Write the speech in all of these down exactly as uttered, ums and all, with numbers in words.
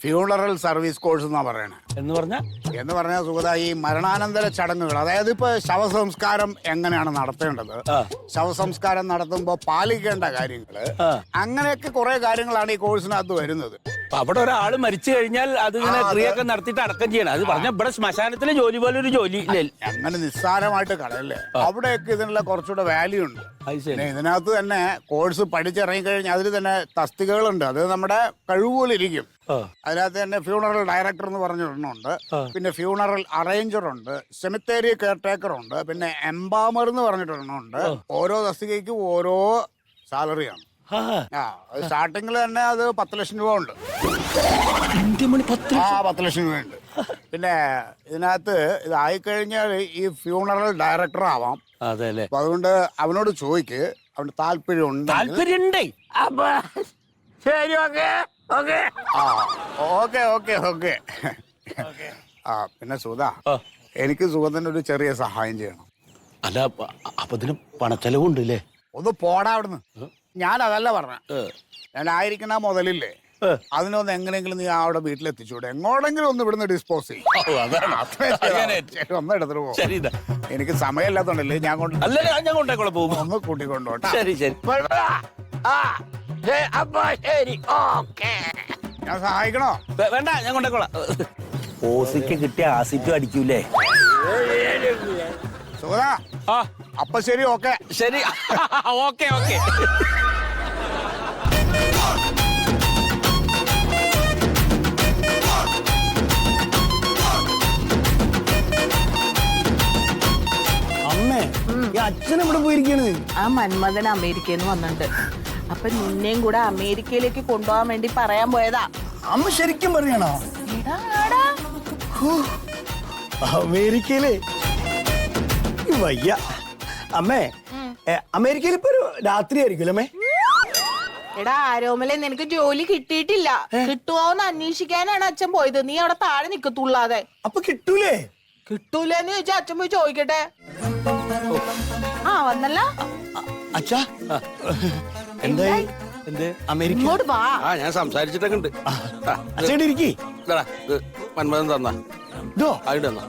Funeral service course എന്നാ പറയണേ. എന്ന് പറഞ്ഞ എന്ന് പറഞ്ഞാൽ സുഗത, ഈ മരണാനന്തര ചടങ്ങുകൾ, അതായത് ഇപ്പൊ ശവസംസ്കാരം എങ്ങനെയാണ് നടത്തേണ്ടത്, ശവസംസ്കാരം നടത്തുമ്പോ പാലിക്കേണ്ട കാര്യങ്ങള്, അങ്ങനെയൊക്കെ കുറെ കാര്യങ്ങളാണ് ഈ കോഴ്സിനകത്ത് വരുന്നത്. അവിടെ ഒരാള് മരിച്ചു കഴിഞ്ഞാൽ അതിങ്ങനെ ക്രിയൊക്കെ നടത്തിയിട്ട് അടക്കം ചെയ്യണം. അത് പറഞ്ഞ ഇവിടെ ശ്മശാനത്തിലെ ജോലി പോലെ ഒരു ജോലി അങ്ങനെ നിസ്സാരമായിട്ട് കളയല്ലേ. അവിടെയൊക്കെ ഇതിനുള്ള കുറച്ചുകൂടെ വാല്യൂ ഉണ്ട്. പിന്നെ ഇതിനകത്ത് തന്നെ കോഴ്സ് പഠിച്ചിറങ്ങി കഴിഞ്ഞാൽ അതിൽ തന്നെ തസ്തികകളുണ്ട്. അത് നമ്മുടെ കഴിവുപോലിരിക്കും. അതിനകത്ത് തന്നെ ഫ്യൂണറൽ ഡയറക്ടർ എന്ന് പറഞ്ഞിട്ടുണ്ട്, പിന്നെ ഫ്യൂണറൽ അറേഞ്ചർ ഉണ്ട്, സെമിത്തേരി കെയർടേക്കർ ഉണ്ട്, പിന്നെ എംബാമർ എന്ന് പറഞ്ഞിട്ടുണ്ട്. ഓരോ തസ്തികയ്ക്കും ഓരോ സാലറിയാണ്. ആ സ്റ്റാർട്ടിങ്ങിൽ തന്നെ അത് പത്ത് ലക്ഷം രൂപ ഉണ്ട്. ആ പത്ത് ലക്ഷം രൂപ ഉണ്ട്. പിന്നെ ഇതിനകത്ത് ഇതായിക്കഴിഞ്ഞാൽ ഈ ഫ്യൂണറൽ ഡയറക്ടർ ആവാം. അതെ അല്ലേ. അപ്പൊ അതുകൊണ്ട് അവനോട് ചോദിക്ക്, അവന് താല്പര്യം ഉണ്ട്. താല്പര്യമുണ്ടേ. ശരി, ഓക്കെ ഓക്കെ ആ ഓക്കെ ഓക്കെ ഓക്കെ ആ പിന്നെ സുധ, എനിക്ക് സുഗതന്റെ ഒരു ചെറിയ സഹായം ചെയ്യണം. അല്ല, അപ്പൊ ഇതിന് പണച്ചെലവുണ്ടല്ലേ? ഒന്ന് പോടാ അവിടുന്ന്. ഞാൻ അതല്ല പറഞ്ഞ, ഞാൻ ആയിരിക്കണ മുതലില്ലേ, അതിനൊന്ന് എങ്ങനെയെങ്കിലും നീ അവിടെ വീട്ടിലെത്തിച്ചൂടെ, എങ്ങോട്ടെങ്കിലും ഒന്ന് ഇവിടുന്ന് ഡിസ്പോസ് ചെയ്യും. ഒന്ന് എടുത്തിട്ട് പോകും. എനിക്ക് സമയമില്ലാത്തോണ്ടല്ലേ ഞാൻ കൊണ്ട് ഞാൻ കൊണ്ടേക്കോളെ പോകും. ഒന്ന് കൂട്ടിക്കൊണ്ടോട്ടെ. ശരി ശരി ഞാൻ സഹായിക്കണോ? വേണ്ട, ഞാൻ കൊണ്ടേക്കോളാം. ഓസിക്ക് കിട്ടിയ ആസിറ്റും അടിക്കൂലേ? സുഗത, അപ്പൊ ശരി, ഓക്കെ ശരി ഓക്കെ ഓക്കെ അമ്മേ, ഈ അച്ഛൻ എവിടെ പോയിരിക്കാണ്? ആ മന്മഥൻ അമേരിക്കയിൽ നിന്ന് വന്നിട്ടുണ്ട്. അപ്പൊ നിന്നെയും കൂടെ അമേരിക്കയിലേക്ക് കൊണ്ടുപോകാൻ വേണ്ടി പറയാൻ പോയതാ. അമ്മ ശരിക്കും പറയണോ? എടാ, ആടാ. അമേരിക്കയില് വയ്യ. അമ്മേ, അമേരിക്കയിൽ ഇപ്പൊ ഒരു രാത്രി ആയിരിക്കും അമ്മേ. എടാ ആരോമലെ, നിനക്ക് ജോലി കിട്ടിയിട്ടില്ല. കിട്ടുവോന്ന് അന്വേഷിക്കാനാണ് അച്ഛൻ പോയത്. നീ അവിടെ താഴെ നിക്കത്തുള്ളാതെ. അപ്പൊ കിട്ടൂലേ? കിട്ടൂലെന്ന് ചോദിച്ചാ അച്ഛൻ പോയി ചോദിക്കട്ടെ. ആ വന്നല്ല അച്ഛാ, എന്തായി? എന്ത് അമേരിക്ക? ഇങ്ങോട്ട് വാ. ആ ഞാൻ സംസാരിച്ചിട്ടൊക്കെ ഉണ്ട്. അച്ഛൻ ഇരിക്കി. മന്മഥൻ തന്നാ ഇതോ ആയിട്ട് തന്നാ.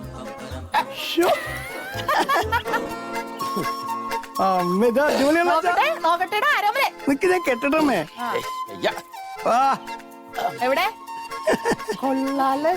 അമ്മ ഇതാ അടിപൊളിയാണ്. നോക്കട്ടെ നോക്കട്ടെടാ ആരോമലെ. നിക്ക്, ഞാൻ കെട്ടട്ടമ്മേ. എവിടെ? കൊള്ളാലേ,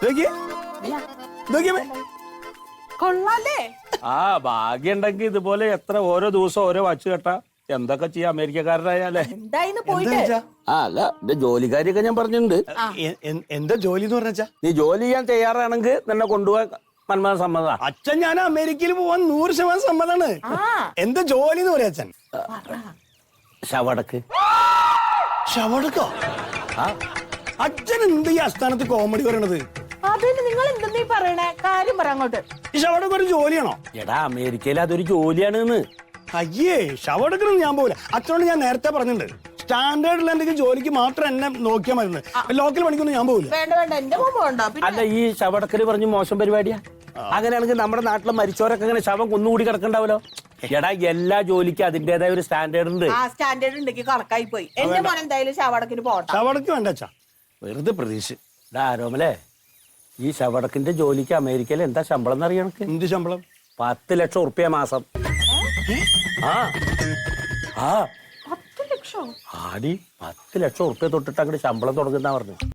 കൊള്ളാലേ. ആ ഭാഗ്യം ഉണ്ടെങ്കിൽ ഇതുപോലെ എത്ര ഓരോ ദിവസം ഓരോ വച്ച് കെട്ടാ എന്തൊക്കെ ചെയ്യാം അമേരിക്കക്കാരനായാലേ. എന്തായിന്ന് പോയിട്ട്? ആ അല്ല, എന്റെ ജോലിക്കാരിയൊക്കെ ഞാൻ പറഞ്ഞിട്ടുണ്ട്. എന്താ ജോലി എന്ന് പറഞ്ഞാ? നീ ജോലി ചെയ്യാൻ തയ്യാറാണെങ്കിൽ നിന്നെ കൊണ്ടുപോകാൻ മന്മഥൻ സമ്മത. അച്ഛൻ, ഞാൻ അമേരിക്കയിൽ പോവാൻ നൂറ് ശതമാനം സമ്മതാണ്. എന്താ ജോലി എന്ന് പറയാ അച്ഛൻ? ശവടക്ക്. ശവടക്കോ? അച്ഛൻ എന്ത് ഈ അസ്ഥാനത്ത് കോമഡി പറയണത്? അതിന് നിങ്ങൾ എന്തെന്നീ പറയണേ? കാര്യം പറ അങ്ങോട്ട്. ഈ ശവടക്ക് ഒരു ജോലിയാണോ? എടാ അമേരിക്കയിൽ അതൊരു ജോലിയാണ്. അയ്യേ, ശവടക്കൊന്നും ഞാൻ പോകില്ല. അച്ഛനോട് ഞാൻ നേരത്തെ പറഞ്ഞിട്ടുണ്ട്, സ്റ്റാൻഡേർഡിൽ എന്തെങ്കിലും ജോലിക്ക് മാത്രം എന്നെ നോക്കിയാൽ മതി. ലോക്കൽ പണിക്കൊന്നും ഞാൻ പോകില്ല. വേണ്ട വേണ്ട, എന്റെ പോകണ്ട. അല്ല, ഈ ശവടക്കല് പറഞ്ഞ് മോശം പരിപാടിയാ. അങ്ങനെയാണെങ്കിൽ നമ്മുടെ നാട്ടിലെ മരിച്ചവരൊക്കെ ഇങ്ങനെ ശവം കുന്നുകൂടി കിടക്കണ്ടാവല്ലോ. എടാ, എല്ലാ ജോലിക്കും അതിന്റേതായ ഒരു സ്റ്റാൻഡേർഡ് ഉണ്ട്. ആ സ്റ്റാൻഡേർഡ് ഉണ്ടെങ്കിൽ കണക്കായി പോയി. എന്റെ മോൻ എന്തായാലും ശവടക്കിന് പോകട്ടെ. ശവടക്ക് വേണ്ട അച്ഛാ, വെറുതെ പ്രതീക്ഷ. എടാ ആരോമലേ, ഈ ശവടക്കിന്റെ ജോലിക്ക് അമേരിക്കയിൽ എന്താ ശമ്പളം എന്നറിയണ? എന്ത് ശമ്പളം? പത്ത് ലക്ഷം ഉറുപ്പ്യ മാസം. ആ ആ പത്ത് ലക്ഷം? ആടി, പത്ത് ലക്ഷം ഉറുപ്പ്യ തൊട്ടിട്ട് അങ്ങോട്ട് ശമ്പളം തുടങ്ങുന്ന പറഞ്ഞു.